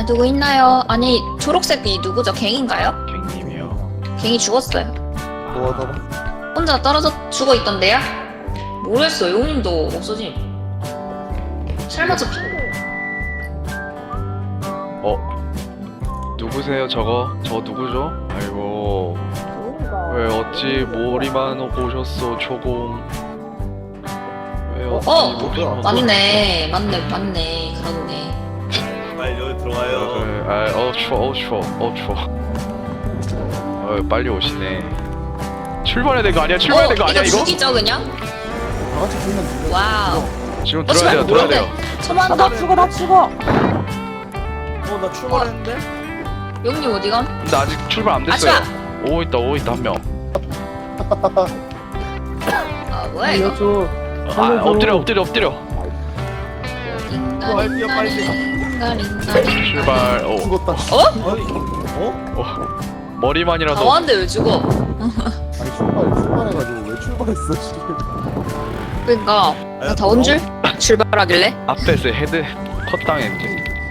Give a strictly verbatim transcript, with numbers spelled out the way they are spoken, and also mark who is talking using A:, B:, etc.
A: 누구 있나요? 아니 초록색이 누구죠? 갱인가요?
B: 갱님이요.
A: 갱이 죽었어요.
C: 뭐 하다가
A: 혼자 떨어져 죽어 있던데요? 모르겠어. 용님도 없어짐. 설마 저 핑?
B: 어? 누구세요 저거? 저 누구죠? 아이고 왜 어찌 머리만 오셨어 초공. 왜 어찌
A: 어!
B: 머리만
A: 맞네. 맞네. 맞네. 그렇네.
D: 빨리 여기 들어가요.
B: 그래, 아, 어 추워 어 추워 어 추워. 어 빨리 오시네. 출발해야 될 거 아니야? 출발해야 될 거 아니야 이거?
A: 죽이죠 그냥?
C: 다 같이 불면 죽여.
A: 와우.
B: 지금
A: 어,
B: 들어야 돼요
A: 씨발,
B: 들어야
A: 뭐야,
B: 돼요.
A: 처만
E: 아, 나 죽어 나 죽어.
D: 어나 출발했는데?
A: 용님 어디감?
B: 근데 아직 출발 안 됐어요.
A: 아차!
B: 오고 있다 오고 있다 한 명.
A: 아 뭐야 이거?
E: 알려줘.
B: 아 엎드려 엎드려 엎드려.
D: 빨리 뛰어, 빨리 뛰어.
A: 링가링가링.
B: 출발. 오.
C: 죽었다.
D: 아니 어?
B: 어. 머리만이라도.
A: 다 왔는데 왜 죽어?
C: 아니 출발 출발해가지고 왜 출발했어 지금?
A: 그러니까
D: 아니,
A: 다 온 줄? 출발하길래?
B: 앞에서 헤드 컷 당했지.